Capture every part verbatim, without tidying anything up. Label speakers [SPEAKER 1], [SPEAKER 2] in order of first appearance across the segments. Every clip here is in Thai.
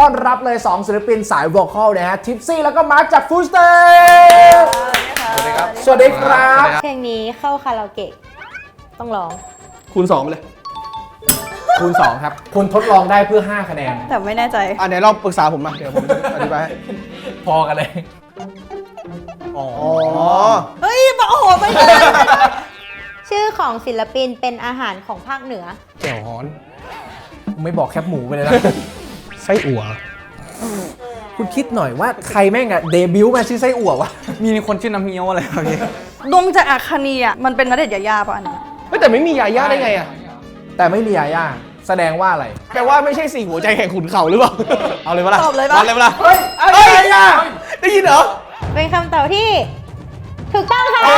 [SPEAKER 1] ต้อนรับเลยสองศิลปินสายวอลคอลนะฮะทิปซี่แล้วก็มาร์คจากฟูสเตอร์สวัสดีครับสวัสดีครับ
[SPEAKER 2] เพลงนี้เข้าคาราโอเกะต้องร้อง
[SPEAKER 3] คูณสองไปเลย
[SPEAKER 1] คูณสองครับคุณทดลองได้เพื่อห้าคะแนน
[SPEAKER 2] แต่ไม่แน่ใจ
[SPEAKER 3] อ่ะไหนลองปรึกษาผมมาเดี๋ยวผมอธิบาย
[SPEAKER 1] พอกันเลยอ๋อ
[SPEAKER 2] เฮ้ยโอ้โหไปเลยชื่อของศิลปินเป็นอาหารของภาคเหนือ
[SPEAKER 3] แจ่วฮ้อน
[SPEAKER 1] ไม่บอกแคบหมูไปเลยนะ
[SPEAKER 3] ไส้อั่ว
[SPEAKER 1] คุณคิดหน่อยว่าใครแม่งอะเดบิวต์มาชื่อไส้อั่ววะ
[SPEAKER 3] มีคนชื่อน้ำเงี้ยวอะไรแบบนี้
[SPEAKER 2] ดวงจากอาคานีอ่ะมันเป็นณเดชน์ยาย่าป่ะอันนี้
[SPEAKER 3] ไม่แต่ไม่มียาย่าได้ไงอ่ะ
[SPEAKER 1] แต่ไม่มียาย่าแสดงว่าอะไร
[SPEAKER 3] แปลว่าไม่ใช่สี่หัวใจแห่งขุนเขาหรือเปล่าเอาเลยปะล่ะ
[SPEAKER 2] ตอบเลยปะ
[SPEAKER 3] เอาเลยปะล่ะ
[SPEAKER 1] เฮ้ยอะไรอ่ะ
[SPEAKER 3] ได้ยินเหรอ
[SPEAKER 2] เป็นคำตอบที่ถูกต้องค่ะ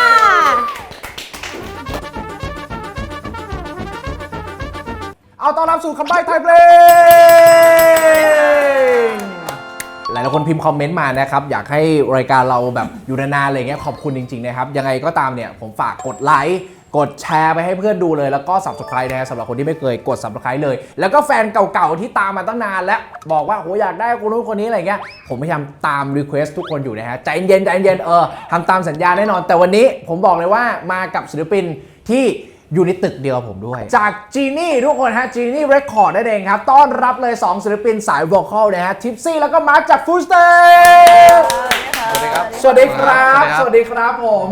[SPEAKER 1] เอาต้อนรับสู่คำใบ้ไทยเพลงหลายๆคนพิมพ์คอมเมนต์มานะครับอยากให้รายการเราแบบอยู่นานๆอะไรเงี้ยขอบคุณจริงๆนะครับยังไงก็ตามเนี่ยผมฝากกดไลค์กดแชร์ไปให้เพื่อนดูเลยแล้วก็ Subscribe นะสำหรับคนที่ไม่เคยกด Subscribe เลยแล้วก็แฟนเก่าๆที่ตามมาตั้งนานแล้วบอกว่าโหอยากได้คนนู้นคนนี้อะไรเงี้ยผมพยายามตาม Request ทุกคนอยู่นะฮะใจเย็นใจเย็นเออทำตามสัญญาแน่นอนแต่วันนี้ผมบอกเลยว่ามากับศิลปินที่อยู่ในตึกเดียวผมด้วยจากจีนี่ทุกคนฮะจีนี่เรคคอร์ดนั่นเองครับต้อนรับเลยสองศิลปินสายวอลคอลนะฮะทิปซี่แล้วก็มาร์คจากฟูสเตอร์สวัสดีครับสวัสดีครับสวัสดีครับผม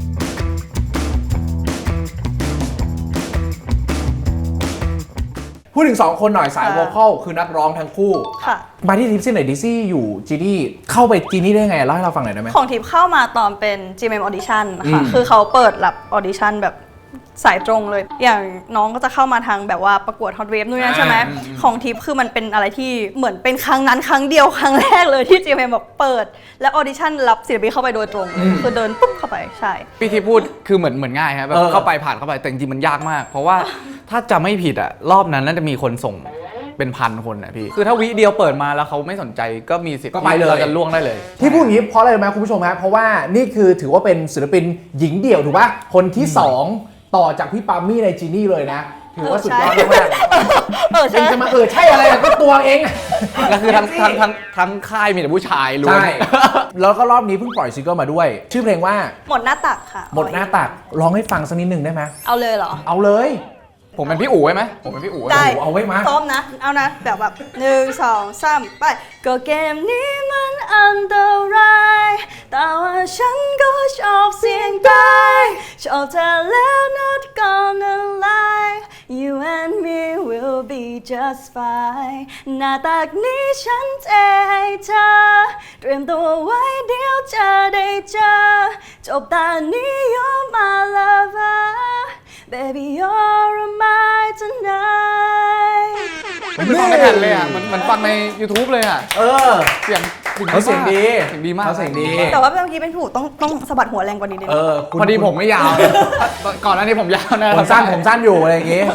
[SPEAKER 1] พูดถึงสองคนหน่อยสายวอลคอลคือนักร้องทั้งคู่
[SPEAKER 2] ค่ะ
[SPEAKER 1] มาที่ทิปซี่หน่อยดิซี่อยู่จีนี่เข้าไปจีนี่ได้ไงเล่าให้เราฟังหน่อยได้ไหม
[SPEAKER 4] ของทิปเข้ามาตอนเป็น จี เอ็ม เอ็ม Audition ค่ะคือเขาเปิดรับออดิชั่นแบบสายตรงเลยอย่างน้องก็จะเข้ามาทางแบบว่าประกวด Hot Wave นู่นนั่นใช่ไหมของทิปคือมันเป็นอะไรที่เหมือนเป็นครั้งนั้นครั้งเดียวครั้งแรกเลยที่ จี เอ็ม เอ็ม แบบเปิดและออดิชั่นรับศิลปินเข้าไปโดยตรงคือเดินปุ๊บเข้าไปใช่
[SPEAKER 5] พี่ที่พูดคือเหมือนเหมือนง่ายครับแบบเข้าไปผ่านเข้าไปแต่จริงๆมันยากมากเพราะว่าถ้าจะไม่ผิดอ่ะรอบนั้นน่าจะมีคนส่งเป็นพันคนนะพี่คือถ้าวิเดียวเปิดมาแล้วเขาไม่สนใจก็มีสิทธิ์
[SPEAKER 1] ก็ไปเลย
[SPEAKER 5] จะล่วงได้เลย
[SPEAKER 1] ที่พูดอย่างนี้เพราะอะไรรู้ไหมคุณผู้ชมครับเพราะว่านี่คือถือว่าเป็นศิลปินหญิงเดี่ยวถูกป่ะคนที่สองต่อจากพี่ปามี่ในจีนี่เลยนะถือว่าสุดยอดมากๆเป็นจะมาเออใช่อะไรก็ตัวเอง
[SPEAKER 5] แล้วคือทั้งทั้งทั้งทั้งค่ายมีแต่ผู้ชายล้วน
[SPEAKER 1] ใช่แล้วก็รอบนี้เพิ่งปล่อยซิงเกิลมาด้วยชื่อเพลงว่า
[SPEAKER 4] หมดหน้าตักค่ะ
[SPEAKER 1] หมดหน้าตักร้องให้ฟังสักนิดหนึ่งได้ไหม
[SPEAKER 4] เอาเลยเหรอ
[SPEAKER 1] เอาเลย
[SPEAKER 5] ผมเป็นพี่อู๋ไหมผมเป็นพี่อู๋
[SPEAKER 4] ได้
[SPEAKER 1] เอาไว้มา
[SPEAKER 4] ซ้อมนะเอานะแบบแบบหนึ่งสองสามไปก็เกมนี้มันอันตรายแต่ว่าฉันก็ชอบเสี่ยงตายชอบเธอแล้ว not gonna lie you and me will be just fine หน้าตักนี้ฉันเทให้เธอเตรียมตัวไว้เดี๋ยวจะได้เจอจบตานี้ you're my lover Baby, you're mine tonight
[SPEAKER 5] มันฟังไม่ทันเลยอ่ะมันมันฟังใน YouTube เลยอ่ะ
[SPEAKER 1] เออ
[SPEAKER 5] เสียง
[SPEAKER 1] เขาเสียงดี
[SPEAKER 5] เสียงดีมาก
[SPEAKER 1] เขาเสียงดี
[SPEAKER 4] แต่ว่าเมื่อกี้เป็นถูกต้องต้องสะบัดหัวแรงกว่านี้นิดนึง
[SPEAKER 5] พอดีผมไม่ยาวก่อนหน้านี้ผมยาวนะ
[SPEAKER 1] ผมสั้นผมสั้นอยู่อะไรอย่างงี้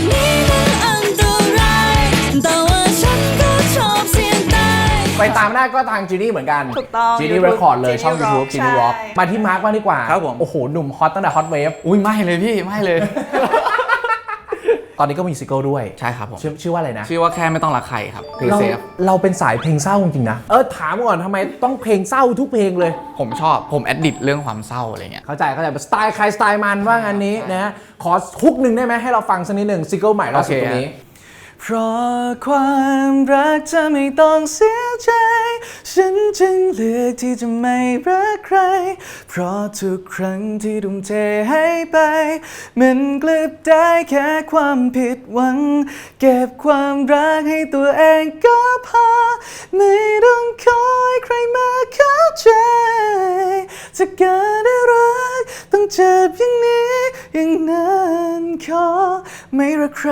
[SPEAKER 1] ไปตามหน้าก็ทางจีนี่เหมือนกัน
[SPEAKER 4] ถูกต้อง
[SPEAKER 1] จีนี่เรคคอร์ดเลยช่อง YouTube จีนี่ร็อกมาที่มาร์คบ้างดีกว่า
[SPEAKER 5] ครับผม
[SPEAKER 1] โอ้โหหนุ่มฮอตตั้งแต่ฮอตเวฟ
[SPEAKER 5] อุ้ยไม่เลยพี่ไม่เลย
[SPEAKER 1] ตอนนี้ก็มีซิงเกิลด้วย
[SPEAKER 5] ใช่ครับผม
[SPEAKER 1] ชื่อว่าอะไรนะ
[SPEAKER 5] ชื่อว่าแค่ไม่ต้องรักใครครับเพลงเซฟ
[SPEAKER 1] เราเป็นสายเพลงเศร้าจริงๆนะเออถามก่อนทำไมต้องเพลงเศร้าทุกเพลงเลย
[SPEAKER 5] ผมชอบผมแอดดิตเรื่องความเศร้าอะไรเงี้ย
[SPEAKER 1] เข้าใจเข้าใจสไตล์ใครสไตล์มันว่างั้นนี้นะขอฮุกหนึ่งได้ไหมให้เราฟังสักนิดหนึ่งซิงเกิลใหม่ล่าสุดตรงนี้
[SPEAKER 3] เพราะความรักจะไม่ต้องเสียใจฉันจึงเลือกที่จะไม่รักใครเพราะทุกครั้งที่ทุ่มเทให้ไปมันกลับได้แค่ความผิดหวังเก็บความรักให้ตัวเองก็พอไม่ต้องคอยใครมาเข้าใจจะการได้รักต้องเจ็บอย่างนี้อย่างนั้นขอไม่รักใคร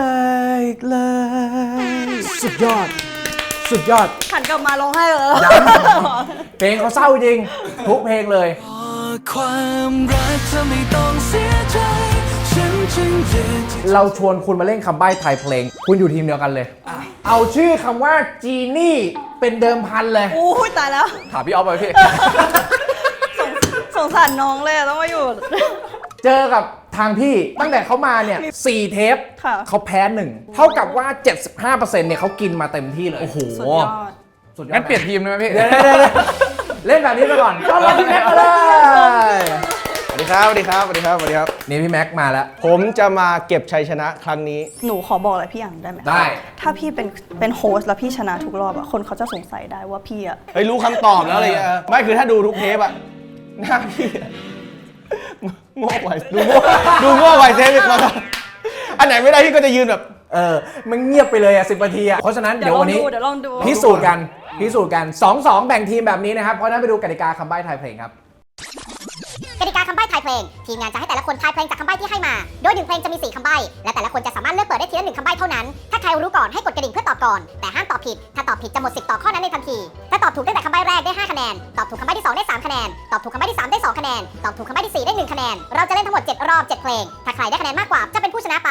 [SPEAKER 3] เลย
[SPEAKER 1] สุดยอดสุดยอด
[SPEAKER 4] หันกลับมาร้องไห้เลย
[SPEAKER 1] เพลงเขาเศร้าจริงทุกเพลงเลย
[SPEAKER 3] ความรักจะไม่ต้องเสียใจฉันจึงเลือก
[SPEAKER 1] เราชวนคุณมาเล่นคำใบ้ไทยเพลงคุณอยู่ทีมเดียวกันเลยเอาชื่อคำว่าจีนี่เป็นเดิมพันเลย
[SPEAKER 4] โอ้ยตายแล้ว
[SPEAKER 5] ถามพี่ออฟไปพี่
[SPEAKER 4] สงสารน้องเลยต้องมาอยู่
[SPEAKER 1] เจอกับทางพี่ตั้งแต่เขามาเนี่ยสี่เทป
[SPEAKER 4] ค่ะ
[SPEAKER 1] เขาแพ้หนึ่งเท่ากับว่า เจ็ดสิบห้าเปอร์เซ็นต์ เนี่ยเขากินมาเต็มที่เลย โอ้โห
[SPEAKER 4] สุดยอด
[SPEAKER 1] สุดยอด
[SPEAKER 5] งั้นเปลี่ยนทีมได้ไหมพี่
[SPEAKER 1] เดี๋ยวๆๆๆเล่นแบบนี้ไปก่อนต้อนรับพี่แม็กซ์มาเลย
[SPEAKER 3] สวัสดีครับ สวัสดีครับ สวัสดีครับ สวัสดีครับ
[SPEAKER 1] นี่พี่แม็กซ์มาแล้ว
[SPEAKER 3] ผมจะมาเก็บชัยชนะครั้งนี้
[SPEAKER 4] หนูขอบอกอะไรพี่อย่างได้ไหม
[SPEAKER 1] ได้
[SPEAKER 4] ถ้าพี่เป็นเป็นโฮสต์แล้วพี่ชนะทุกรอบอะคนเขาจะสงสัยได้ว่าพี่อะ
[SPEAKER 3] เฮ้ยรู้คำตอบแล้วอะไรเงี้ยไม่คือถ้าดูทุกเทปอะหน้าพี่อะโง่กว่าดูโง่ดูโง่กว่าเทปอีกคนอันไหนไม่ได้พี่ก็จะยืนแบบ
[SPEAKER 1] เออ มันเงียบไปเลยอ่ะสิบนาทีอ่ะ เพราะฉะนั้น
[SPEAKER 4] เดี๋
[SPEAKER 1] เดี๋
[SPEAKER 4] ย
[SPEAKER 1] ยว ว
[SPEAKER 4] ลอ
[SPEAKER 1] วั
[SPEAKER 4] ง
[SPEAKER 1] นนี้
[SPEAKER 4] ดูเดี๋ยวลองดู
[SPEAKER 1] พิสูจน์กัน พิสูจน์กัน สองสอง แบ่งทีมแบบนี้นะครับ เพราะฉะนั้นไปดูกติกาคำใบ้ทายเพลงครับ
[SPEAKER 6] กติกาคำใบ้ทายเพลง ทีมงานจะให้แต่ละคนทายเพลงจากคำใบ้ที่ให้มา โดยหนึ่งเพลงจะมีสี่คำใบ้และแต่ละคนจะสามารถเลือกเปิดได้ทีละหนึ่งคำใบ้เท่านั้น ถ้าใครรู้ก่อนให้กดกระดิ่งเพื่อตอบก่อน แต่ห้ามตอบผิด ถ้าตอบผิดจะหมดสิทธิ์ต่อข้อนั้นในทันที ถ้าตอบถูกตั้งแต่คำใบ้แรกได้ห้าคะแนน ตอบถูกคำใบ้ที่สองได้สามคะแนน ตอบถูกคำใบ้ที่สามได้สองคะแนน ตอบถูกคำใบ้ที่สี่ได้หนึ่งคะแนน เราจะเล่นทั้งหมดเจ็ดรอบเจ็ดเพลง ถ้าใครได้คะแนนมากกว่าจะเป็นผู้ชนะไป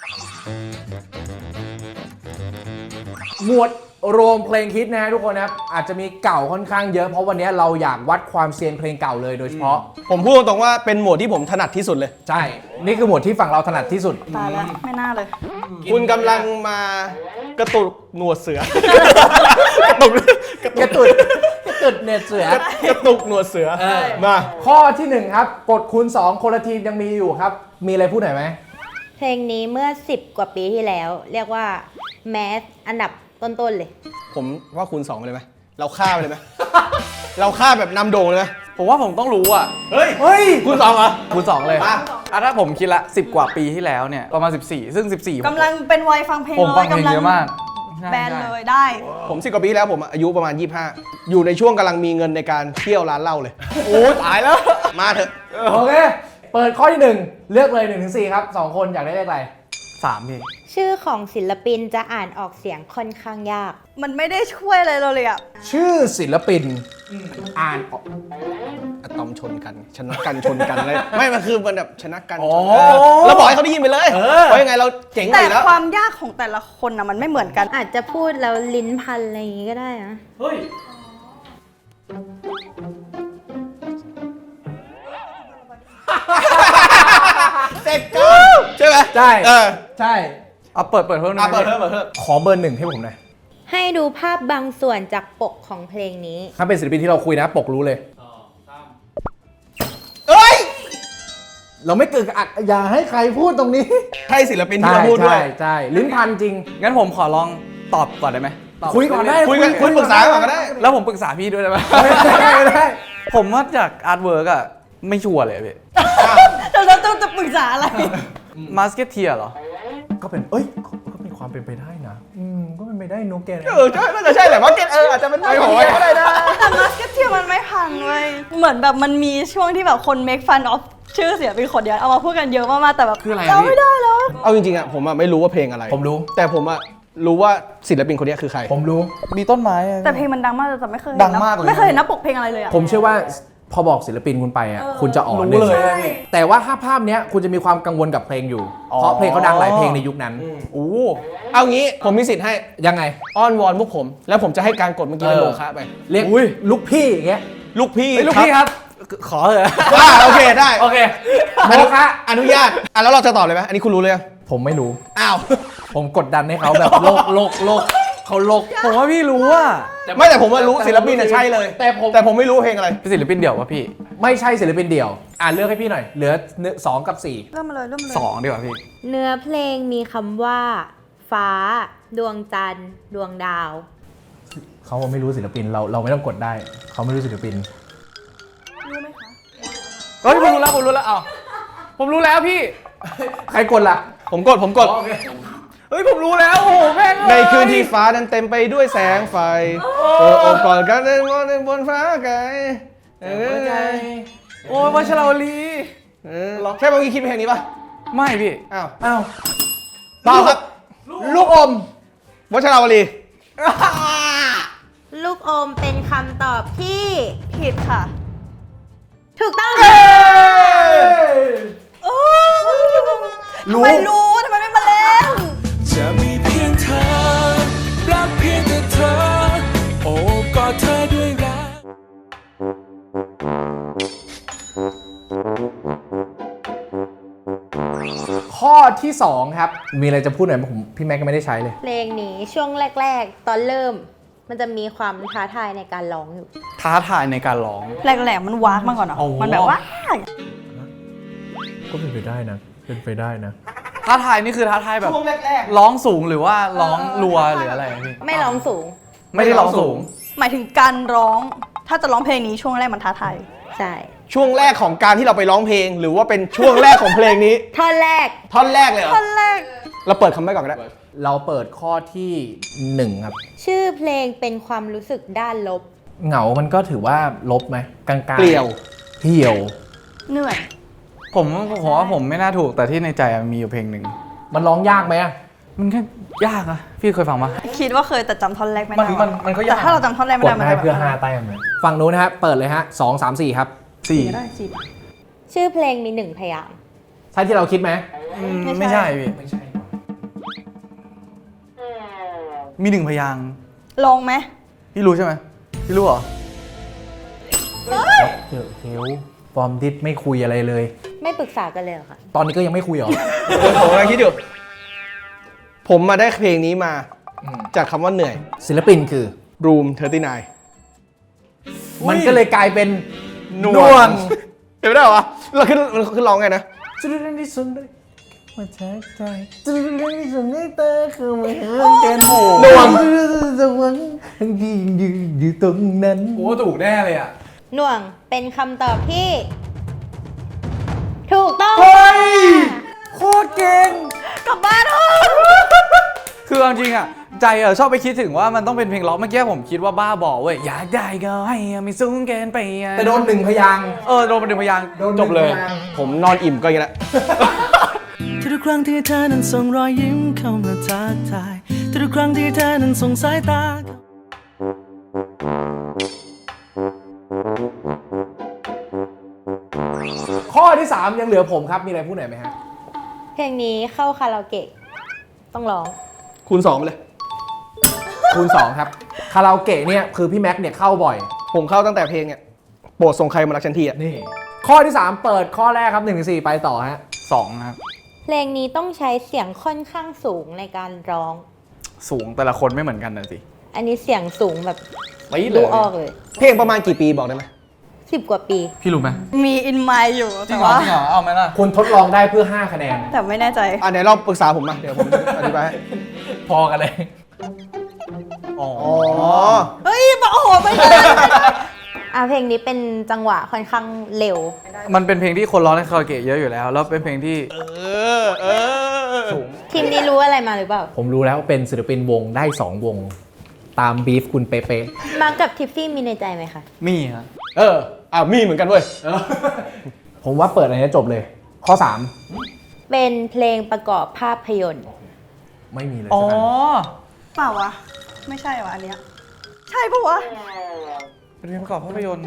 [SPEAKER 1] หมวดรวมเพลงฮิตนะฮะทุกคนนะครับ อาจจะมีเก่าค่อนข้างเยอะ เพราะวันนี้เราอยากวัดความเซียนเพลงเก่าเลยโดยเฉพาะ
[SPEAKER 3] ผมพูดตรงๆว่าเป็นโหมดที่ผมถนัดที่สุดเลย
[SPEAKER 1] ใช่ นี่คือหมวดที่ฝั่งเราถนัดที่สุด
[SPEAKER 4] ตายแล้วไม่น่าเลย
[SPEAKER 3] คุณกำลังมากระตุกหนวดเสือ กระตุก
[SPEAKER 1] กระตุดกระตุดเน็ตเสือ
[SPEAKER 3] กระตุกหนวดเสือ
[SPEAKER 1] เออ
[SPEAKER 3] มา
[SPEAKER 1] ข้อที่หนึ่งครับ กดคูณสองคนละทีมยังมีอยู่ครับ มีอะไรพูดหน่อยไหม
[SPEAKER 2] เพลงนี้เมื่อสิบกว่าปีที่แล้ว เรียกว่าแมสอันดับต้นๆเลย
[SPEAKER 3] ผมว่าคูณสองไปเลยไหมเราฆ่าไปเลยไหม เราฆ่าแบบนำโด่งเลยไหม
[SPEAKER 5] ผมว่าผมต้องรู้อ่ะ
[SPEAKER 3] เฮ้ย
[SPEAKER 1] เฮ้ย
[SPEAKER 3] คูณสองเหรอ
[SPEAKER 5] คูณสองเลย
[SPEAKER 3] มา
[SPEAKER 5] อ่ะถ้าผมคิดละสิบกว่าปีที่แล้วเนี่ยประมาณสิบสี่ซึ่งสิบสี่
[SPEAKER 4] กำลังเป็นวัยฟังเพลง
[SPEAKER 5] ผม
[SPEAKER 4] เล
[SPEAKER 5] ฟัง
[SPEAKER 4] ย
[SPEAKER 5] เพลง
[SPEAKER 4] กำลัง
[SPEAKER 5] เยอะมาก
[SPEAKER 4] แบนเลยได้
[SPEAKER 3] ผมสิบกว่าปีแล้วผมอายุประมาณยี่สิบห้าอยู่ในช่วงกำลังมีเงินในการเที่ยวร้านเหล้าเลย โอ้ตายแล้ว มาเถอะ
[SPEAKER 1] โอเค เปิดข้อที่หนึ่งเลือกเลยหนึ่งถึงสี่ครับสองคนอยากได้เลขอะไร
[SPEAKER 5] สามพี่
[SPEAKER 2] ชื่อของศิลปินจะอ่านออกเสียงค่อนข้างยาก
[SPEAKER 4] มันไม่ได้ช่วยอะไรเราเลยอะ
[SPEAKER 1] ชื่อศิลปินอ่านออก
[SPEAKER 3] อะตอมชนกันชนะกันชนกันเลยไม่มันคือมันแบบชนะกัน
[SPEAKER 1] อ๋อ
[SPEAKER 3] เออเราบอกให้เขาได้ยินไปเลย
[SPEAKER 1] เออ
[SPEAKER 3] เพราะยังไงเราเจ๋งไป
[SPEAKER 4] แต่
[SPEAKER 3] แล้ว
[SPEAKER 4] ความยากของแต่ละคนอะมันไม่เหมือนกัน
[SPEAKER 2] อาจจะพูดแล้วลิ้นพันอะไรอย่างงี้ก็ได้นะ
[SPEAKER 3] เสร็จกูใช่ไหม
[SPEAKER 1] ใช่
[SPEAKER 3] เออ
[SPEAKER 1] ใช่
[SPEAKER 5] เอาเปิดเปิดเพิ่มหน่
[SPEAKER 3] อ่ะ
[SPEAKER 5] อย
[SPEAKER 3] เปิดเพิ่มเปิดเพิ่ม
[SPEAKER 1] ขอเบอร์หนึ่งให้ผมหน่อย
[SPEAKER 2] ให้ดูภาพบางส่วนจากปกของเพลงนี้
[SPEAKER 1] ถ้าเป็นศิลปินที่เราคุยนะ ปกรู้เลย
[SPEAKER 3] เอ้ย
[SPEAKER 1] เราไม่เกิดอักอย่าให้ใครพูดตรงนี้
[SPEAKER 3] ใช่ศิลปินที่เราพูดด้วย
[SPEAKER 1] ใช่ใช่ลิ้นพันจริง
[SPEAKER 5] งั้นผมขอลองตอบก่อนได้ไหมตบ
[SPEAKER 1] คุยก่อนได้
[SPEAKER 3] คุยกันคุยปรึกษาก่อนก็ได้
[SPEAKER 5] แล้วผมปรึกษาพี่ด้วยได้ไหม
[SPEAKER 1] ไม่ได้ไม่ได้
[SPEAKER 5] ผมว่าจากอาร์ตเวิร์กอะไม่ชัวร์เลยพี่
[SPEAKER 4] เราจะต้องจะปรึกษาอะไร
[SPEAKER 5] มาสเก็ตเทียเหรอ
[SPEAKER 1] ก็เป็นเอ้ยก็มีความเป็นไปได้นะ อืมก็เป็นไปได้นุ๊กแกนะ
[SPEAKER 3] เออใช่น่าจะใช่แหละว่าเก็ตเอออาจจะเป็นไม่ของไว้ก็ได้นะ
[SPEAKER 4] แต่มาสเก็ตเทียมันไม่พังเว้ยเหมือนแบบมันมีช่วงที่แบบคน make fun of ชื่อเสียงเป็นคนเดียวเอามาพูดกันเยอะมากๆแต่แบบ
[SPEAKER 5] คืออะไรอะ
[SPEAKER 4] เรา
[SPEAKER 5] พี่
[SPEAKER 4] ไม่ได้แล้ว
[SPEAKER 3] เอาจริงๆอ่ะผมอ่ะไม่รู้ว่าเพลงอะไร
[SPEAKER 1] ผมรู้
[SPEAKER 3] แต่ผมอ่ะรู้ว่าศิลปินคนนี้คือใคร
[SPEAKER 1] ผมรู้
[SPEAKER 5] มีต้นไม้อะ
[SPEAKER 4] แต่เพลงมันดังมากแต่ไม่เคยเห็น
[SPEAKER 5] ดังมากเลย
[SPEAKER 4] ไม่เคยเห็นหน้าปกเพลงอะไรเลยอะ
[SPEAKER 1] ผมเชื่อว่าพอบอกศิลปินคุณไปอ่ะ
[SPEAKER 4] เออ
[SPEAKER 1] คุณจะอ่อน
[SPEAKER 5] รู้
[SPEAKER 1] หนึ่ง
[SPEAKER 5] เลย
[SPEAKER 4] ใช่
[SPEAKER 1] แต่ว่าถ้าภาพเนี้ยคุณจะมีความกังวลกับเพลงอยู่
[SPEAKER 5] อ๋อ
[SPEAKER 1] เพราะเพลงเขาดังหลายเพลงในยุคนั้น
[SPEAKER 5] โอ้
[SPEAKER 3] เอางี้ผมมีสิทธิ์ให้
[SPEAKER 1] ยังไง
[SPEAKER 3] อ้อนวอนพวกผม แล้วผมจะให้การกดเมื่อกี้เป็น
[SPEAKER 1] เออ
[SPEAKER 3] โลคะไป
[SPEAKER 1] เรียกลูกพี่อย่างเงี้ย
[SPEAKER 3] ลูกพี่
[SPEAKER 5] เฮ้ยลูกพี่ครับ ขอเถอะ
[SPEAKER 3] ว่าโอเคได้
[SPEAKER 1] โอเค
[SPEAKER 3] โมคะอนุญาตอ่ะแล้วเราจะตอบเลยไหมอันนี้คุณรู้เลยยัง
[SPEAKER 1] ผมไม่รู้
[SPEAKER 3] อ้าว
[SPEAKER 1] ผมกดดันให้เขาแบบโลกโลกโลกเขาโลก
[SPEAKER 5] ผมว่าพี่รู้อะ
[SPEAKER 3] ไม่แต่ผมว่ารู้ศิลปินน่ะใช่เลย
[SPEAKER 1] แต่ผม
[SPEAKER 3] แต่ผมไม่รู้เพลงอะไร
[SPEAKER 5] เป็นศิลปินเดี่ยววะพี่
[SPEAKER 1] ไม่ใช่ศิลปินเดี่ยว อ่านเลือกให้พี่หน่อย เหลือสองกับสี่
[SPEAKER 4] เริ่มมาเลยเริ่มมาเลย
[SPEAKER 5] สองดีกว่าพี่
[SPEAKER 2] เนื้อเพลงมีคำว่า ฟ้า ดวงจันทร์ ดวงดาว
[SPEAKER 1] เขาไม่รู้ศิลปินเราเราไม่ต้องกดได้ เขาไม่รู้ศิลปิน
[SPEAKER 4] รู้ไหมคะ
[SPEAKER 5] เฮ้ยผมรู้แล้วผมรู้แล้วอ้าวผมรู้แล้วพี่
[SPEAKER 1] ใครกดล่ะ
[SPEAKER 3] ผมกดผมกด
[SPEAKER 5] เฮ้ยผมรู้แล้วโอ้โหแม่ง
[SPEAKER 3] ในคืนที่ฟ้านั้นเต็มไปด้วยแสงไฟเออโอบกอดกันในวันบนฟ้าไกลเออ
[SPEAKER 5] โอ้ยวัชราวลี
[SPEAKER 3] เออใช่เมื่อกี้คิดเพลงนี้ป่ะ
[SPEAKER 5] ไม่พี่
[SPEAKER 3] อ้าว
[SPEAKER 1] อ้าว
[SPEAKER 3] เปล่าครับ
[SPEAKER 1] ลูกอม
[SPEAKER 3] วัชราวลี
[SPEAKER 2] ลูกอมเป็นคำตอบที่
[SPEAKER 4] ผิดค่ะ
[SPEAKER 2] ถูกต้อง
[SPEAKER 4] โอ้ทำไมรู้ทำไมไม่มาเล่น
[SPEAKER 7] จะมีเพียงเธอรักเพียงแต่เธอ โอ้กอดเธอด้วยรัก
[SPEAKER 1] ข้อที่สองครับมีอะไรจะพูดหน่อยไหมผมพี่แม็กก็ไม่ได้ใช้เลย
[SPEAKER 2] เพลงนี้ช่วงแรก ๆ ตอนเริ่ม มันจะมีความท้าทายในการร้องอยู่
[SPEAKER 5] ท้าทายในการร้อง
[SPEAKER 4] แหลกๆมันวากมาก่อนเนาะ
[SPEAKER 5] โอ้
[SPEAKER 4] มันแบบว่า
[SPEAKER 1] ก็เป็นไปได้นะเป็นไปได้นะ
[SPEAKER 5] ท้าทายนี่คือท้าทายแบบร้องสูงหรือว่าร้องรัวหรืออะไรพี่
[SPEAKER 2] ไม่ร้องสูง
[SPEAKER 5] ไม่ได้ร้องสูง
[SPEAKER 4] หมายถึงการร้อง ถ้าจะร้องเพลงนี้ช่วงแรกมันท้าทาย
[SPEAKER 2] ใช่
[SPEAKER 8] ช่วงแรกของการที่เราไปร้องเพลง หรือว่าเป็นช่วงแรกของเพลงนี้
[SPEAKER 2] ท่อนแรก
[SPEAKER 8] ท่อนแรกเลยเหรอ
[SPEAKER 4] ท่อนแรก
[SPEAKER 8] เราเปิดคำใบ้ก่อนก็ได้
[SPEAKER 1] เราเปิดข้อที่หนึ่งครับ
[SPEAKER 2] ชื่อเพลงเป็นความรู้สึกด้านลบ
[SPEAKER 1] เหงามันก็ถือว่าลบไหมกลางๆ
[SPEAKER 8] เกลียว
[SPEAKER 1] เหี่ยว
[SPEAKER 4] เหนื่อย
[SPEAKER 5] ผมผมว่าผมไม่น่าถูกแต่ที่ในใจอะมีอยู่เพลงหนึ่ง
[SPEAKER 1] มันร้องยากไหมอะ
[SPEAKER 5] มันแค่ยากอะพี่เคยฟังปะ
[SPEAKER 4] คิดว่าเคยแต่จำท่อนแรกไม่
[SPEAKER 5] มัน
[SPEAKER 4] ได้
[SPEAKER 5] มันมันก็ยาก
[SPEAKER 4] แต่ถ้าเราจำท่อนแรกไม่
[SPEAKER 1] ก
[SPEAKER 4] ได้
[SPEAKER 1] ด
[SPEAKER 4] มัน
[SPEAKER 1] ให้
[SPEAKER 4] จะ
[SPEAKER 1] เพื่อ
[SPEAKER 4] แบบ
[SPEAKER 1] ห้าแต้มเลยฝั่งนู้นนะฮะเปิดเลยฮะสองสามสี่ครับ
[SPEAKER 5] สี่
[SPEAKER 4] ไม่ได้สิ
[SPEAKER 2] ชื่อเพลงมีหนึ่งพยางค์
[SPEAKER 1] ใช่ที่เราคิดไหม
[SPEAKER 5] อืมไม่ใช่พี่
[SPEAKER 1] ไม่ใช่
[SPEAKER 5] มีหนึ่งพยางค์
[SPEAKER 4] ลองไหม
[SPEAKER 5] พี่รู้ใช่ไหมพี่รู้เหรอ
[SPEAKER 1] เดอะเฮลฟอร์มดิสไม่คุยอะไรเลย
[SPEAKER 2] ไม่ปรึกษากันเลยเหรอคะ
[SPEAKER 1] ตอนนี้ก็ยังไม่คุยเหรอ
[SPEAKER 8] ผมกำลังคิดอยู่ ผมมาได้เพลงนี้มา
[SPEAKER 1] อืม
[SPEAKER 8] จากคำว่าเหนื่อย
[SPEAKER 1] ศิลปินคือ
[SPEAKER 8] Room สามสิบเก้า
[SPEAKER 1] มันก็เลยกลายเป็น
[SPEAKER 8] หน่วง เห็นไม่ได้เหรอวะเราขึ้นมันขึ้นร้องไงนะ
[SPEAKER 1] จุดเด่นที่สุดเลยมาแทกใจจุดเด่นที่สุดในตาคือมาหากันโห
[SPEAKER 8] หน่วง
[SPEAKER 1] จะหวังทั้งที่ยืนอยู่ตรงนั้น
[SPEAKER 5] โอ้ถูกแน่เลยอะ
[SPEAKER 2] หน่วงเป็นคำตอบที่ ถูกต้อง
[SPEAKER 1] เฮ้ย
[SPEAKER 2] ค่ะ
[SPEAKER 1] โคตรเก่ง
[SPEAKER 4] กลับบ้านเถอะ
[SPEAKER 5] คือเอาจริงอะใจอะชอบไปคิดถึงว่ามันต้องเป็นเพลงร็อกเมื่อกี้ผมคิดว่าบ้าบอเว้ยอยากได้ก็ให้อะไม่สูงเกินไปอะ
[SPEAKER 1] แต่โดนหนึ่งพยางค์
[SPEAKER 5] เออโดนเป็นหนึ่งพยางค์
[SPEAKER 1] โดนห
[SPEAKER 5] จ
[SPEAKER 1] นึ่
[SPEAKER 5] บ
[SPEAKER 1] ง
[SPEAKER 5] เลย
[SPEAKER 1] พางค์
[SPEAKER 8] ผมนอนอิ่มก็อย่างนี้แหละ
[SPEAKER 3] ทุกครั้งที่เธอนั้นส่งรอยยิ้มเข้ามาทักทายทุกครั้งที่เธอนั้นส่งสายตา
[SPEAKER 1] ข้อที่สามยังเหลือผมครับ มีอะไรพูดหน่อยไหมฮะ
[SPEAKER 2] เพลงนี้เข้าคาราโอเกะต้องร้อง
[SPEAKER 8] คูณสองไปเลย
[SPEAKER 1] คูณสองครับ คาราโอเกะเนี่ยคือพี่แม็กเนี่ยเข้าบ่อย
[SPEAKER 8] ผมเข้าตั้งแต่เพลงเนี่ยโปรดส่งใครมารักฉันทีอ่ะ
[SPEAKER 1] นี่ ข้อที่สามเปิดข้อแรกครับหนึ่งถึงสี่ไปต่อฮะ
[SPEAKER 5] สองครับ
[SPEAKER 2] เพลงนี้ต้องใช้เสียงค่อนข้างสูงในการร้อง
[SPEAKER 5] สูงแต่ละคนไม่เหมือนกันนะสิ
[SPEAKER 2] อันนี้เสียงสูงแบบ
[SPEAKER 5] ไม่เล
[SPEAKER 2] ดู
[SPEAKER 5] ย
[SPEAKER 2] ออกเลย
[SPEAKER 8] เพลงประมาณกี่ปีบอกได้ไหม
[SPEAKER 2] สิบกว่าปี
[SPEAKER 5] พี่รู้ไหม
[SPEAKER 4] มีอินไมล์อยู่
[SPEAKER 5] จริ
[SPEAKER 4] แต่
[SPEAKER 5] งเหรอ
[SPEAKER 4] ว่า
[SPEAKER 5] จริงเหรอเอาไหมล่ะ
[SPEAKER 1] คุณทดลองได้เพื่อห้าคะแนน
[SPEAKER 4] แต่ไม่แน่ใจ
[SPEAKER 8] อ่ะไหนลองปรึกษาผมมาเดี๋ยวผมอธิบายให้
[SPEAKER 1] พอกันเลย
[SPEAKER 5] อ๋อ
[SPEAKER 8] อ๋อ
[SPEAKER 4] เฮ้ยบอกโอ้โหไม่ได้
[SPEAKER 2] อ่ะเพลงนี้เป็นจังหวะค่อนข้างเร็ว
[SPEAKER 5] มันเป็นเพลงที่คนร้องในคาราโอเกะเยอะอยู่แล้ว แล้วเป็นเพลงที่
[SPEAKER 8] เออ เออ
[SPEAKER 1] สูง
[SPEAKER 2] ทีมนี้รู้อะไรมาหรือเปล่า
[SPEAKER 1] ผมรู้แล้วเป็นศิลปินวงได้สองวง ตามบีฟคุณเป๊ะ
[SPEAKER 2] มาร์คกับทิฟฟี่มีในใจไหมคะ
[SPEAKER 5] มีครับ
[SPEAKER 8] เออ อ่ะมีเหมือนกันเว้ย
[SPEAKER 1] ๆ ผมว่าเปิดอันนี้จบเลย ข้อสาม
[SPEAKER 2] เป็นเพลงประกอบภาพยนตร์
[SPEAKER 1] ไม่มีเลย
[SPEAKER 5] อ๋อ
[SPEAKER 1] สักอัน
[SPEAKER 4] เปล่าวะ ไม่ใช่วะอันเนี้ยใช่ปะวะ
[SPEAKER 5] เป็นเพลงประกอบภาพยนตร์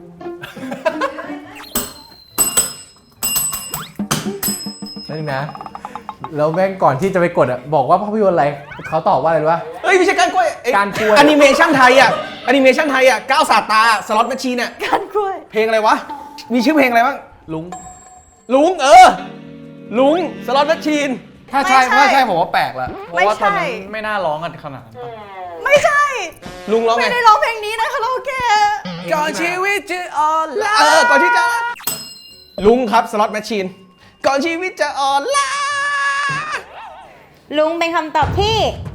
[SPEAKER 1] นั่นนะ แล้วแม่งก่อนที่จะไปกดอ่ะ บอกว่าภาพยนตร์อะไร เขาตอบว่าอะไรรู้ป่ะ
[SPEAKER 8] เอ้ยไม่ใช่การกล้วยเอ้ย
[SPEAKER 1] การกล้วย
[SPEAKER 8] แอนิเมชันไทยอ่ะแอนิเมชันไทยอ่ะก้าวสาดตาสล็อตแมชชีนอ่ะ
[SPEAKER 4] การกล้วย
[SPEAKER 8] เพลงอะไรวะ มีชื่อเพลงอะไรบ้าง
[SPEAKER 5] ลุง
[SPEAKER 8] ลุงเออ ลุงสล็อตแมชชีน
[SPEAKER 5] ถ้าใช่
[SPEAKER 4] ไม่ใช่
[SPEAKER 5] ถ้าใช่ผมว่าแปลกแล้วเพราะว่าตอนนั้น
[SPEAKER 4] ไม่ใช่
[SPEAKER 5] ไม่น่าร้องกันขนาดนั้นปะ
[SPEAKER 4] ไม่ใช่
[SPEAKER 8] ลุงร้องไง
[SPEAKER 4] ไม่ได้ร้องเพลงนี้นะคาราโอเกะ
[SPEAKER 8] ก่อนชีวิตจะอ่อนล้าเออ ก่อนที่จะลุงครับสล็อตแมชชีน ก่อนชีวิตจะอ่อนล้า
[SPEAKER 2] ลุงเป็นคำตอบที่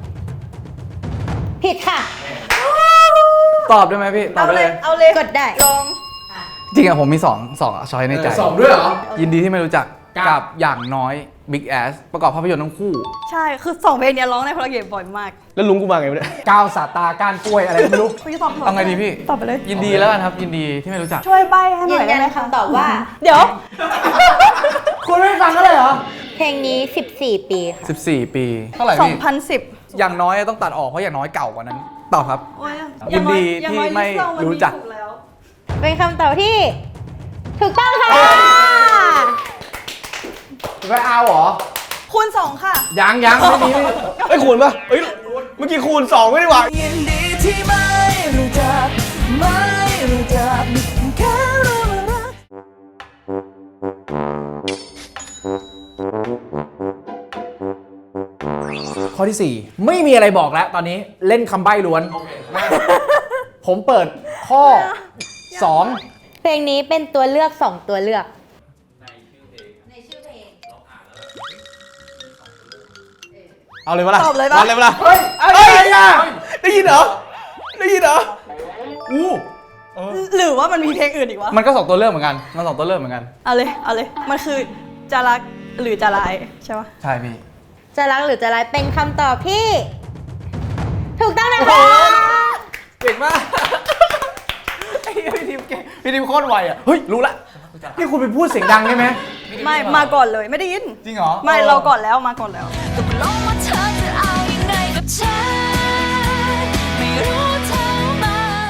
[SPEAKER 2] ผิดค่ะ
[SPEAKER 5] ตอบได้ไหมพี่ตอบ
[SPEAKER 4] เอา
[SPEAKER 5] ได้
[SPEAKER 4] เล
[SPEAKER 5] เลย ย
[SPEAKER 4] เอาเลย
[SPEAKER 2] กดได้
[SPEAKER 4] ลอง
[SPEAKER 5] จริงอะผมมีสองสองช้อยในใจ
[SPEAKER 1] สองด้วยเหรอ
[SPEAKER 5] ยินดีที่ไม่รู้จัก
[SPEAKER 1] กับ
[SPEAKER 5] กับอย่างน้อย Big Ass ประกอบภาพยนตร์ทั้งคู่
[SPEAKER 4] ใช่ คือสองเพลงเนี้ยร้องในคาราโอเกะบ่อยมาก
[SPEAKER 8] แล้วลุงกูมาไงวะเนี่ย
[SPEAKER 1] ก้าวสาตาก้านกล้วยอะไรก็ไม่รู้
[SPEAKER 4] พี่ตอบ
[SPEAKER 5] เอาไงดีพี่
[SPEAKER 4] ตอบไปเลย
[SPEAKER 5] ยินดีแล้วกันครับ ยินดีที่ไม่รู้จัก
[SPEAKER 4] ช่วยใบให้ห
[SPEAKER 2] ยื
[SPEAKER 4] น่อย
[SPEAKER 2] น
[SPEAKER 4] ได้
[SPEAKER 2] ยัน
[SPEAKER 4] ไหมคะ
[SPEAKER 2] คำตอบว่า
[SPEAKER 4] เดี๋ยว
[SPEAKER 1] คุณไม่ฟังก็เลยเหรอ
[SPEAKER 2] เพลงนี้ สิบสี่ ปีค่ะ
[SPEAKER 5] สิบสี่ ปี เท่าไหร่
[SPEAKER 4] สอง
[SPEAKER 5] พี่
[SPEAKER 4] พันสิบ
[SPEAKER 5] อย่างน้อยต้องตัดออกเพราะอย่างน้อยเก่ากว่านั้น ตอบครับ
[SPEAKER 4] โอ้ย
[SPEAKER 5] ยินดี
[SPEAKER 4] อย่าง
[SPEAKER 5] ที่
[SPEAKER 4] น้อย
[SPEAKER 5] ไม่
[SPEAKER 4] ลิสต์เรามัน
[SPEAKER 5] รู้จัก
[SPEAKER 4] ถูแล้ว
[SPEAKER 2] เป็นคำตอบที่ ถูกต้องค่ะ
[SPEAKER 1] ไม่เอาเหรอ
[SPEAKER 4] คูณสองค่ะ
[SPEAKER 1] ยังยังไม่มีไม่มี
[SPEAKER 8] ไอ้ยคูณปะเอ้ย เมื่อกี้คูณสองไม่ได้หว่า
[SPEAKER 3] ยินดีที่ไม่รู้จักไม่รู้จักแค่รู้ว่ารัก
[SPEAKER 1] อที่ สี่ ไม่มีอะไรบอกแล้วตอนนี้เล่นคำใบ้ล้วน ผมเปิดข้อ สอง
[SPEAKER 2] เพลงนี้เป็นตัวเลือกสองตัวเลือก
[SPEAKER 8] เอาเลยปะล่ะ
[SPEAKER 4] ตอบเลยปะ
[SPEAKER 8] าเลยปะล่ะ
[SPEAKER 1] เฮ้ยอะไรอ่ะ
[SPEAKER 8] ได้ยินเหรอ ได้ยินเหรอ
[SPEAKER 1] อู้
[SPEAKER 4] หรือว่ามันมีเพลงอื่นอีกวะ
[SPEAKER 5] มันก็สองตัวเลือกเหมือนกันมันสองตัวเลือกเหมือนกัน
[SPEAKER 4] เอาเลยเอาเลยมันคือจะรักหรือจะร้ายใช่ปะ
[SPEAKER 5] ใช่พี่
[SPEAKER 2] จะรักหรือจะร้ายเป็นคำตอบที่ ถูกต้องนะคะ
[SPEAKER 5] เก่งมากไอ้พี่ทีมเก่งพี่ทีมโคตรไวอ่ะเฮ้ยรู้ละ
[SPEAKER 1] นี่คุณไปพูดเสียงดังได้ไหม
[SPEAKER 4] ไม่มาก่อนเลยไม่ได้ยิน
[SPEAKER 5] จริงเหรอ
[SPEAKER 4] ไม่เราก่อนแล้วมาก่อนแล้ว
[SPEAKER 9] ตกลงว่าเธอจะเอายังไงกับฉันไม่รู้เธอมา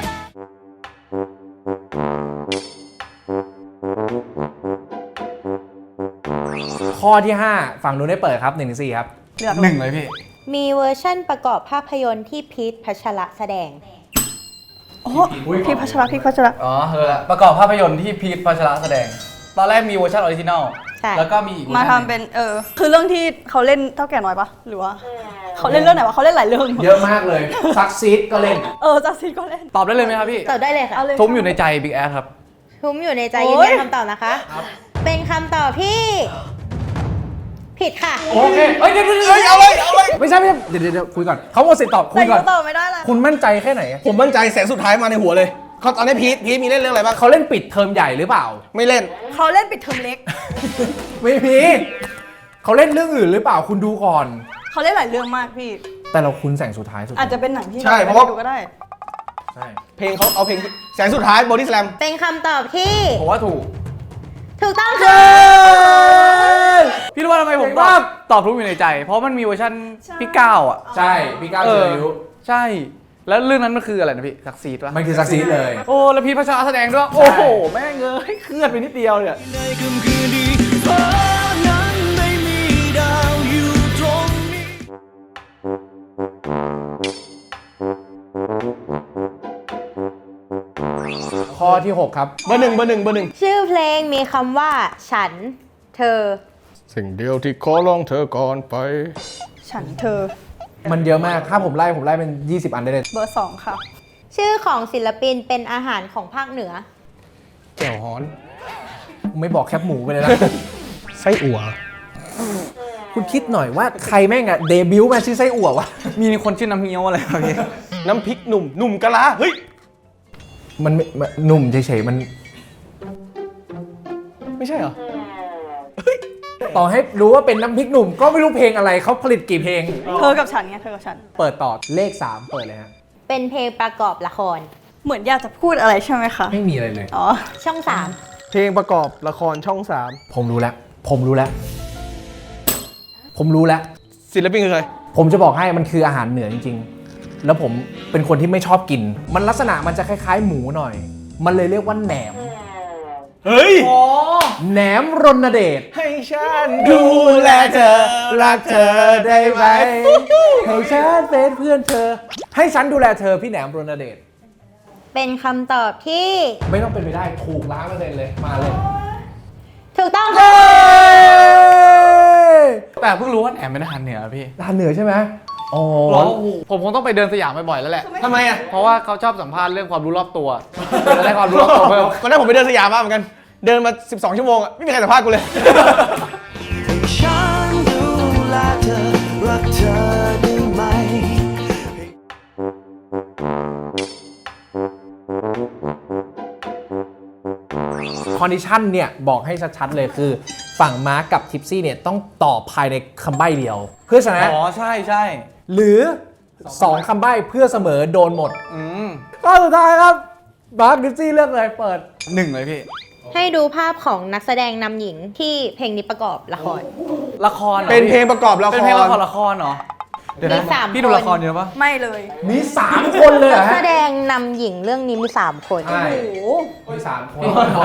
[SPEAKER 1] ข้อที่ ห้า ฝั่งนู้นได้เปิดครับหนึ่งถึงสี่ครับ
[SPEAKER 4] เลือก
[SPEAKER 5] หนึ่งเลยพี่
[SPEAKER 2] มีเวอร์ชั่นประกอบภาพยนตร์ที่พีทพัชระแสดง
[SPEAKER 4] โอ้พี่พัชระพี่พัชระ
[SPEAKER 5] อ๋อเออละประกอบภาพยนตร์ที่พีทพัชระแสดง ตอนแรกมีเวอร์ชันออริจินอล
[SPEAKER 2] ใช่
[SPEAKER 5] แล้วก็มีอีกวอร์
[SPEAKER 4] มา
[SPEAKER 5] ชันห
[SPEAKER 4] ทำ
[SPEAKER 5] ง
[SPEAKER 4] เป็นเออคือเรื่องที่เขาเล่นเท่าแก่น้อยปะหรือว่าเขาเล่นเรื่องไหนวะเขาเล่นหลายเรื่อง
[SPEAKER 1] เยอะมากเลยซักซีดก็เล่น
[SPEAKER 4] เออจัสซินก็เล่น
[SPEAKER 5] ตอบได้เลยไหมครับพี่
[SPEAKER 2] ตอบได้เลยค่ะ
[SPEAKER 4] เอาเลย
[SPEAKER 5] ทุ้มอยู่ในใจบิ๊กแอครับ
[SPEAKER 2] ทุ้มอยู่ในใจ
[SPEAKER 4] โอ้
[SPEAKER 2] ยื
[SPEAKER 4] ย
[SPEAKER 2] นยันคำตอบนะคะ เป็นคำตอบที่ ผิดค่ะ
[SPEAKER 1] โอเคเอ้ยเดี๋ยวเดี๋ยวเดี๋ยว
[SPEAKER 8] เอาเลย เอาเลย
[SPEAKER 1] ไม่ใช่ไม่ใช่เดี๋ยวเดี๋ยวเดี๋ยวคุยก่อนเขาหมดสิทธิ์ตอบคุ
[SPEAKER 4] แต่
[SPEAKER 1] ยก่อน
[SPEAKER 4] ก็ตอบไม่ได้ละ
[SPEAKER 1] คุณมั่นใจแค่ไหน
[SPEAKER 8] ผมมั่นใจแสงสุดท้ายมาในหัวเลยเขาตอนนี้พีทพีทมีเล่นเรื่องอะไรบ้าง
[SPEAKER 1] เขาเล่นปิดเทอมใหญ่หรือเปล่า
[SPEAKER 8] ไม่เล่น
[SPEAKER 4] เขาเล่นปิดเทอมเล็ก
[SPEAKER 1] ไม่มีเขาเล่นเรื่องอื่นหรือเปล่าคุณดูก่อน
[SPEAKER 4] เขาเล่นหลายเรื่องมากพี่
[SPEAKER 1] แต่เราคุ้นแสงสุดท้ายสุด
[SPEAKER 4] อาจจะเป็นหนังที่
[SPEAKER 8] ใช่
[SPEAKER 4] ไม่
[SPEAKER 8] เพราะว่า
[SPEAKER 4] ได้ดูก็ได้
[SPEAKER 1] ใช่
[SPEAKER 8] เพลงเขาเอาเพลงแสงสุดท้ายบอดี้สแลม
[SPEAKER 2] เป็นคำตอบที่
[SPEAKER 5] ผมว่าถูก
[SPEAKER 2] ถูกต้องค่ะ
[SPEAKER 5] พี่รู้ว่าทำไมผมตอบตอบทุ้มอยู่ในใจ เพราะมันมีเวอร์ชันพี่ก้าวอ่ะ
[SPEAKER 1] ใช่พี่ก้าว
[SPEAKER 5] เอ
[SPEAKER 1] เจ
[SPEAKER 5] อ
[SPEAKER 1] อยุ
[SPEAKER 5] ใช่ แล้วเรื่องนั้นมันคืออะไรนะพี่ซักซีดปะ
[SPEAKER 1] มันคือซักซีดเลย
[SPEAKER 5] โอ้แล้วพีทพัชระแสดงด้วย โอ้โห แม่งเอ้ยเคลื่อนไปนิดเดียวเนี่ย
[SPEAKER 7] ในค่ำคืนนี้ฟ้านั้นไม่มีดาวอยู่ตรงนี้
[SPEAKER 1] ข้อที่ หก ครับ
[SPEAKER 8] เบอร์หนึ่งเบอร์หนึ่งเบอร์หนึ่ง
[SPEAKER 2] ชื่อเพลงมีคำว่า ฉัน เธอ
[SPEAKER 8] สิ่งเดียวที่ขอร้องเธอก่อนไป
[SPEAKER 4] ฉันเธอ
[SPEAKER 1] มันเยอะมากถ้าผมไล่ผมไล่เป็น ยี่สิบ อันได้เลย
[SPEAKER 4] เบอร์สองค่ะ
[SPEAKER 2] ชื่อของศิลปินเป็นอาหารของภาคเหนือ
[SPEAKER 8] แก้วฮ้อน
[SPEAKER 1] ผมไม่บอกแคบหมูไปเลยนะ
[SPEAKER 8] ไส้อั่ว
[SPEAKER 1] คุณคิดหน่อยว่าใครแม่งอะเดบิวต์มาชื่อไส้อั่ววะ
[SPEAKER 5] มีคนชื่อน้ำเงี้ยวอะไรครับพี่
[SPEAKER 8] น้ำพริกหนุ่มหนุ่มกะลาเฮ้ย
[SPEAKER 1] มันไม่มันหนุ่มเฉยๆมัน
[SPEAKER 8] ไม่ใช่เหรอ
[SPEAKER 1] ต่อให้รู้ว่าเป็นน้ำพริกหนุ่มก็ไม่รู้เพลงอะไรเขาผลิตกี่เพลง
[SPEAKER 4] เธอกับฉันไงเธอกับฉัน
[SPEAKER 1] เปิดต่อเลข สาม เปิดเลยฮะ
[SPEAKER 2] เป็นเพลงประกอบละคร
[SPEAKER 4] เหมือนอยากจะพูดอะไรใช่ไหมคะ
[SPEAKER 1] ไม่มีอะไรเลย
[SPEAKER 4] อ๋อ
[SPEAKER 2] ช่องสาม
[SPEAKER 8] เพลงประกอบละครช่องสาม
[SPEAKER 1] ผมรู้แล้ว ผมรู้แล้ว ผมรู้แล้ว
[SPEAKER 8] ศิลปินคือใคร
[SPEAKER 1] ผมจะบอกให้มันคืออาหารเหนือจริงๆ แล้วผมเป็นคนที่ไม่ชอบกิน มันลักษณะมันจะคล้ายๆ หมูหน่อย มันเลยเรียกว่าแหนม
[SPEAKER 8] เฮ้ย
[SPEAKER 1] แหนมรณเดช
[SPEAKER 8] ให้ฉัน
[SPEAKER 1] ดูแลเธอ รักเธอได้ไหมให้ฉันเป็นเพื่อนเธอ ให้ฉันดูแลเธอพี่แหนมรณเดช
[SPEAKER 2] เป็นคำตอบที่
[SPEAKER 1] ไม่ต้องเป็นไปได้ถูกล้านเปอร์เซ็นต์เลยมาเลย
[SPEAKER 2] ถูกต้องค่ะ
[SPEAKER 5] แต่เพิ่งรู้ว่าแหนมเป็นอาหารเหนือพี่
[SPEAKER 1] ร้านเหนือใช่ไหมอ๋อ
[SPEAKER 5] ผมคงต้องไปเดินสยามบ่อยๆแล้วแหละ
[SPEAKER 8] ทำไมอ่ะ
[SPEAKER 5] เพราะว่าเขาชอบสัมภาษณ์เรื่องความรู้รอบตัวจะได้ความรู้รอบตัวเพิ่ม
[SPEAKER 8] วันนั้นผมไปเดินสยามมาเหมือนกัน เดินมา สิบสอง ชั่วโมงอ่ะ ไม่มีใครสัมภาษณ์กูเลย
[SPEAKER 7] ฉันดูแลเธอ รักเธอได้ไหม
[SPEAKER 1] คอนดิชันเนี่ยบอกให้ชัดๆเลยคือ ฝั่งมาร์กกับทิปซี่เนี่ยต้องตอบภายในคำใบ้เดียว เพื่อชนะ
[SPEAKER 5] อ๋อ ใช่ใช่
[SPEAKER 1] หรือ สอง คำใบ้เพื่อเสมอโดนหมด
[SPEAKER 5] อืม
[SPEAKER 1] ข้อสุดท้ายครับมาร์กทิปซี่เลือกเลยเปิด
[SPEAKER 5] หนึ่งเลยพี่
[SPEAKER 2] ให้ดูภาพของนักแสดงนำหญิงที่เพลงนี้ประกอบละคร
[SPEAKER 5] ละครหรอ
[SPEAKER 8] เป็นเพลง
[SPEAKER 5] พี่
[SPEAKER 8] ประกอบละค
[SPEAKER 5] เป็น
[SPEAKER 8] ร
[SPEAKER 5] เพลงละครละครเหรอ เดี๋ยวนะ
[SPEAKER 2] มีสาม
[SPEAKER 5] พี่ดู
[SPEAKER 2] คน
[SPEAKER 5] ละครเยอะปะ
[SPEAKER 4] ไม่เลย
[SPEAKER 1] มี สาม คนเลยเหร
[SPEAKER 2] นั
[SPEAKER 1] อก
[SPEAKER 2] แส
[SPEAKER 1] ฮะ
[SPEAKER 2] ดงนำหญิงเรื่องนี้มีสามคน
[SPEAKER 1] ใช่
[SPEAKER 4] โอ้โห
[SPEAKER 1] มีสามคน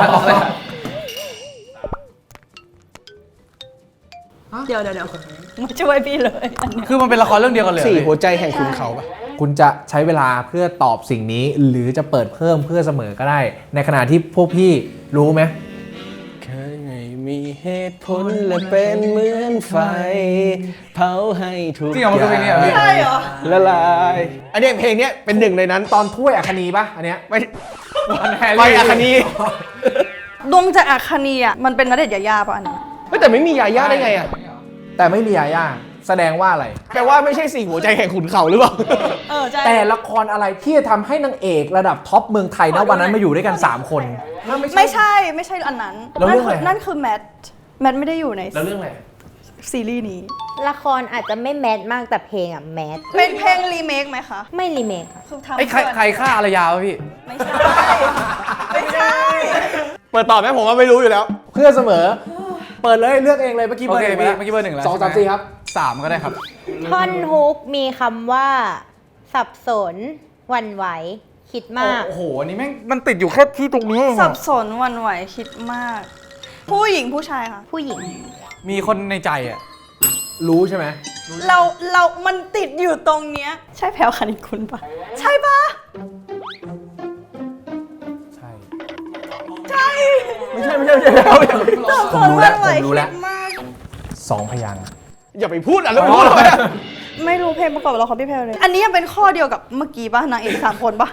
[SPEAKER 4] เดี๋ยวเดี๋ยวเดี๋ยวมาช่วยพี่เลยอันเนี้ย
[SPEAKER 5] คือมันเป็นละครเรื่องเดียวกันเลยเหรอ
[SPEAKER 8] สี่
[SPEAKER 5] พี่
[SPEAKER 8] หัวใจแห่งขุนเขาปะ
[SPEAKER 1] คุณจะใช้เวลาเพื่อตอบสิ่งนี้ หรือจะเปิดเพิ่มเพื่อเสมอก็ได้ ในขณะที่พวกพี่รู้ไหม
[SPEAKER 8] เคยไม่มีเหตุผลและเป็นเหมือนไฟเผาให้ทุก
[SPEAKER 5] จริงเหรอมันคือเพลงนี้เหรอพี่
[SPEAKER 4] ใช่เหรอ
[SPEAKER 8] ละลายอันเนี้ยเพลงเนี้ยเป็นหนึ่งในนั้น
[SPEAKER 1] ตอนถ้วยอัคนีปะอันเนี้ย
[SPEAKER 8] ไม่
[SPEAKER 5] วันแฮร์
[SPEAKER 8] ไม่
[SPEAKER 5] รี่
[SPEAKER 8] อาคานี
[SPEAKER 4] ดวงจากอาคานีอ่ะมันเป็นณเดชน์ยายาป่ะอันนี้
[SPEAKER 8] ไม่แต่ไม่มียาย่าได้ไงอ่ะ
[SPEAKER 1] แต่ไม่มียาย่าแสดงว่าอะไร
[SPEAKER 8] แปลว่าไม่ใช่สี่หัวใจแห่งขุนเขาหรือเปล่า
[SPEAKER 4] เออใช่
[SPEAKER 1] แต่ละครอะไรที่จะทำให้นางเอกระดับท็อปเมืองไทยนะวันนั้นมาอยู่ด้วยกัน 3 คน
[SPEAKER 4] ไม่ใช่ไม่ใช่อันนั้น
[SPEAKER 1] แล้วเรื่องอะไร
[SPEAKER 4] นั่นคือแมทแมทไม่ได้อยู่ใน
[SPEAKER 1] แล้วเรื่องอะไร
[SPEAKER 4] ซีรีส์นี้
[SPEAKER 2] ละครอาจจะไม่แมสมากแต่เพลงอ่ะแมส
[SPEAKER 4] เป็นเพลงรีเมคไหมคะ
[SPEAKER 2] ไม่รีเมคค่ะ
[SPEAKER 4] คือทำ
[SPEAKER 5] ไอ้ใครใครฆ่าอารยาวะพี่
[SPEAKER 4] ไม่ใช่ไม่ใช่
[SPEAKER 8] เปิดต่อไหมผมว่าไม่รู้อยู่แล้ว
[SPEAKER 1] เพื่อเสมอ เปิดเลยเลือกเองเลยเมื่อกี้
[SPEAKER 5] โอ
[SPEAKER 1] เบอร์
[SPEAKER 5] เค
[SPEAKER 1] หนึ่ง
[SPEAKER 5] พี่
[SPEAKER 1] ไปแล้ว
[SPEAKER 5] เมื่อกี้เบอร์หนึ่งแล้ว
[SPEAKER 1] สองสาม
[SPEAKER 5] ใช่ไห
[SPEAKER 1] สี่ครับ
[SPEAKER 5] สามก็ได้ครับ
[SPEAKER 2] ท่อนฮุกมีคำว่า สับสนหวั่นไหว คิดมาก
[SPEAKER 5] โอ้โหอันนี้แม่งมันติดอยู่แค่ที่ตรงนี้
[SPEAKER 4] สับสนหวันไหวคิดมาก ผู้หญิงผู้ชายค่ะ
[SPEAKER 2] ผู้หญิง
[SPEAKER 5] มีคนในใจอ่ะ
[SPEAKER 1] รู้ใช่ไหม
[SPEAKER 4] เราเรามันติดอยู่ตรงเนี้ยใช่แพลวคณิตคุณปะใช่ปะ
[SPEAKER 1] ใช่
[SPEAKER 4] ใช่
[SPEAKER 1] ไม่ใช่ไม่ใช่ไม่ใช่แล้ว
[SPEAKER 4] สับ
[SPEAKER 1] ผ
[SPEAKER 4] ส
[SPEAKER 1] ม
[SPEAKER 4] น
[SPEAKER 1] รู้
[SPEAKER 4] ห
[SPEAKER 1] แล้
[SPEAKER 4] วั่
[SPEAKER 1] วน
[SPEAKER 4] ไหว
[SPEAKER 1] ผมรู้
[SPEAKER 4] คิ
[SPEAKER 1] แล้ว
[SPEAKER 4] ดมาก
[SPEAKER 1] สองพยางค์
[SPEAKER 8] อย่าไปพูดอ่ะแล้วไม่พูดเลยอะ
[SPEAKER 4] ไม่รู้เพลงประกอบละครพี่แพลวเลย อันนี้ยังเป็นข้อเดียวกับเมื่อกี้ปะนางเอกสามคนปะ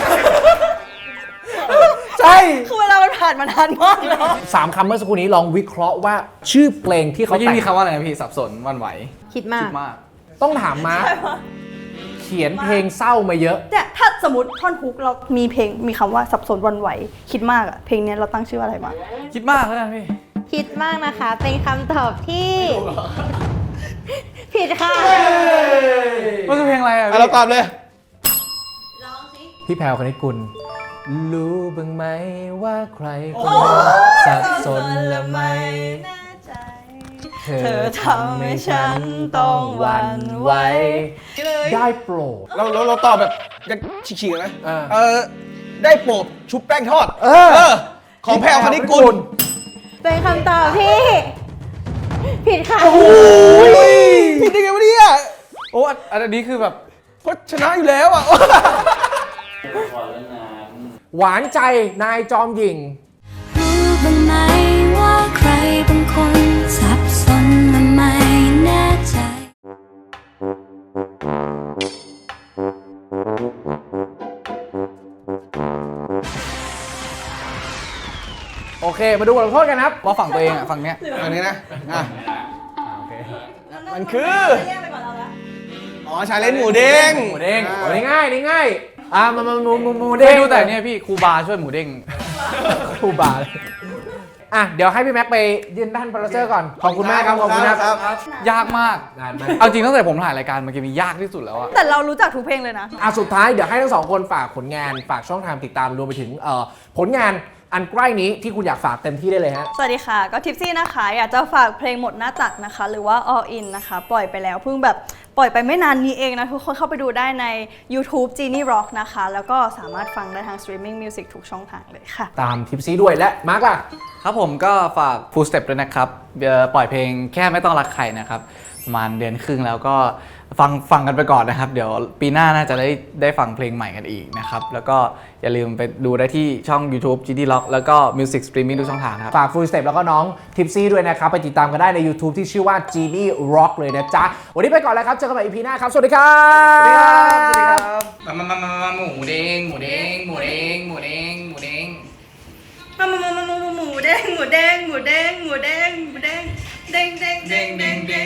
[SPEAKER 1] ใช่
[SPEAKER 4] คือเวลามันผ่านมานานมากแล้ว
[SPEAKER 1] สามคำเมื่อสักครู่นี้ลองวิเคราะห์ว่าชื่อเพลงที่เขา
[SPEAKER 5] เมื่อกี้
[SPEAKER 1] แต่ง
[SPEAKER 5] มีคำว่าอะไรนะพี่สับสนหวันไหว
[SPEAKER 2] คิดมา
[SPEAKER 5] คิ
[SPEAKER 2] ก
[SPEAKER 5] ดมาก
[SPEAKER 1] ต้องถามมาร์คเขียนเพลงเศร้ามาเยอะ
[SPEAKER 4] เนี่ยถ้าสมมติท่อนฮุกเรามีเพลงมีคำว่าสับสนหวันไหว คิดมากอะเพลงเนี้ยเราตั้งชื่ออะไรมา
[SPEAKER 5] คิดมากแล้วกันพี่
[SPEAKER 2] คิดมากนะคะ เป็นคำตอบที่ ผิดค่ะ
[SPEAKER 5] มันคือเพลงอะไรอ่ะ
[SPEAKER 8] อ่ะเราตอบเลย
[SPEAKER 1] พี่แพรวคณิตกุลรู้บ้างไหมว่าใครคนหนึ่งสับสนและไม่เธอทำให้ฉันต้องหวั่นไหวได้โปรด
[SPEAKER 8] เราเราเราตอบแบบกันฉีกๆนะ
[SPEAKER 1] เออ
[SPEAKER 8] เออได้โปรดชุบแป้งทอด
[SPEAKER 1] เออ
[SPEAKER 8] ของแพรวคณิตกุล
[SPEAKER 2] เป็นคำตอบที่ ผิดค่ะ
[SPEAKER 8] ผิดได้ไงวะเนี่ย
[SPEAKER 5] โอ้อันอันนี้คือแบบ
[SPEAKER 8] เพราะชนะอยู่แล้วอ่ะ
[SPEAKER 1] หวานใจนายจอมหญิง
[SPEAKER 9] รู้บ้างไหมว่าใครบางคนสับสนและไม่แน่ใจ
[SPEAKER 1] โอเค มาดูบทลงโทษกันครับ
[SPEAKER 5] ว่าฝั่งตัวเองอ่ะฝั่งเนี้ย
[SPEAKER 8] อันนี้นะอ่ะมันคือ อ๋อ ชาเลนจ์หมูเด้ง
[SPEAKER 1] หมูเด้งโอ้ยง่ายนี่ง่ายอ่ามามาหมูหมูหมู
[SPEAKER 5] ได้
[SPEAKER 1] เด้ง
[SPEAKER 5] ดูแต่เนี่ยพี่ครูบาช่วยหมูเด้ง
[SPEAKER 1] ครูบาเลยอ่ะ เดี๋ยวให้พี่แม็กไปยืนด้านโปรดิวเซอร์ก่อน ขอบคุณมากครับ ขอบคุณครับ
[SPEAKER 5] ยากมาก
[SPEAKER 1] นานมาก
[SPEAKER 5] เอาจริงตั้งแต่ผมถ่ายรายการมันจะมียากที่สุดแล้วอะ
[SPEAKER 4] แต่เรารู้จักทุกเพลงเลยนะ
[SPEAKER 1] อ่ะสุดท้ายเดี๋ยวให้ทั้งสองคนฝากผลงานฝากช่องทางติดตามรวมไปถึงเอ่อผลงานอันใกล้นี้ที่คุณอยากฝากเต็มที่ได้เลยฮะ
[SPEAKER 4] สวัสดีค่ะ ก็ทิปซี่นะคะ อยากจะฝากเพลงหมดหน้าตักนะคะ หรือว่า All In นะคะ ปล่อยไปแล้วเพิ่งแบบปล่อยไปไม่นานนี้เองนะ ทุกคนเข้าไปดูได้ใน YouTube Genie Rock นะคะ แล้วก็สามารถฟังได้ทาง Streaming Music ทุกช่องทางเลยค่ะ
[SPEAKER 1] ตามทิปซี่ด้วยและมาร์กล่ะ
[SPEAKER 5] ครับผมก็ฝาก Full Step ด้วยนะครับเอ่อปล่อยเพลงแค่ไม่ต้องรักใครนะครับประมาณเดือนครึ่งแล้วก็ฟังฟังกันไปก่อนนะครับ เดี๋ยวปีหน้าน่าจะได้ได้ฟังเพลงใหม่กันอีกนะครับแล้วก็อย่าลืมไปดูได้ที่ช่อง YouTube จี ดี Rock แล้วก็ Music Streaming ทุกช่องทางครับ
[SPEAKER 1] ฝาก Full Step แล้วก็น้องทิปซี่ด้วยนะครับ ไปติดตามกันได้ใน YouTube ที่ชื่อว่า Genie Rock เลยนะจ๊ะ วันนี้ไปก่อนแล้วครับ เจอกันใหม่ อี พี หน้าครับ สวัสดีครับ
[SPEAKER 5] สวัสดีครับสวัสดีครับมามามามาหมูเด้งหมูเด้งหมูเด้งหมูเด้งหมูเด้ง
[SPEAKER 4] มามามามาหมูเด้งหมูเด้งหมูเด้งหมูเด้งหมูเด้งเด้งเด้งเด้งเด้งเด้ง